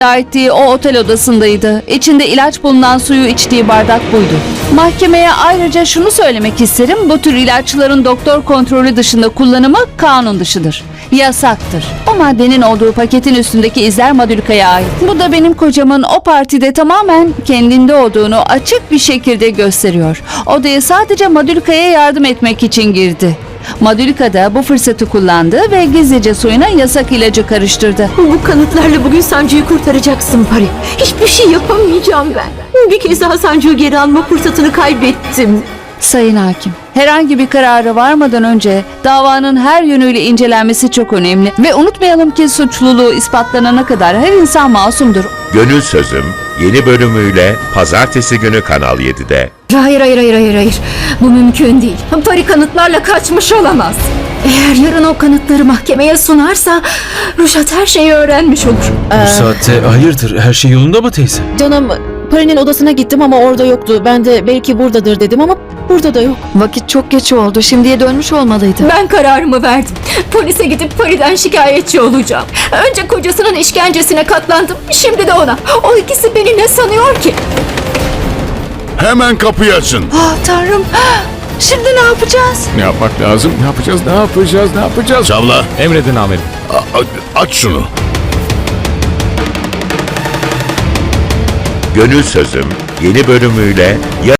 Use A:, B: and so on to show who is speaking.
A: ettiği o otel odasındaydı. İçinde ilaç bulunan suyu içtiği bardak buydu. Mahkemeye ayrıca şunu söylemek isterim. Bu tür ilaçların doktor kontrolü dışında kullanımı kanun dışıdır. Yasaktır. O maddenin olduğu paketin üstündeki izler Madhurika'ya ait. Bu da benim kocamın o partide tamamen kendinde olduğunu açık bir şekilde gösteriyor. Odaya sadece Madhurika'ya yardım etmek için girdi. Madhurika da bu fırsatı kullandı ve gizlice suyuna yasak ilacı karıştırdı.
B: Bu kanıtlarla bugün Sancu'yu kurtaracaksın Pari. Hiçbir şey yapamayacağım ben. Bir kez daha Sancu'yu geri alma fırsatını kaybettim.
A: Sayın Hakim, herhangi bir karara varmadan önce davanın her yönüyle incelenmesi çok önemli. Ve unutmayalım ki suçluluğu ispatlanana kadar her insan masumdur.
C: Gönül Sözüm yeni bölümüyle pazartesi günü Kanal 7'de.
B: Hayır. Bu mümkün değil. Pari kanıtlarla kaçmış olamaz. Eğer yarın o kanıtları mahkemeye sunarsa Ruşat her şeyi öğrenmiş olur.
D: Bu saatte hayırdır? Her şey yolunda mı teyze?
E: Canım, Pari'nin odasına gittim ama orada yoktu. Ben de belki buradadır dedim ama burada da yok.
F: Vakit çok geç oldu. Şimdiye dönmüş olmalıydı.
B: Ben kararımı verdim. Polise gidip Pari'den şikayetçi olacağım. Önce kocasının işkencesine katlandım. Şimdi de ona. O ikisi beni ne sanıyor ki?
G: Hemen kapıyı açın.
A: Ah Tanrım, şimdi ne yapacağız?
G: Ne yapmak lazım? Ne yapacağız? Çavla,
H: Emredin amirim.
G: aç şunu.
C: Gönül Sözüm yeni bölümüyle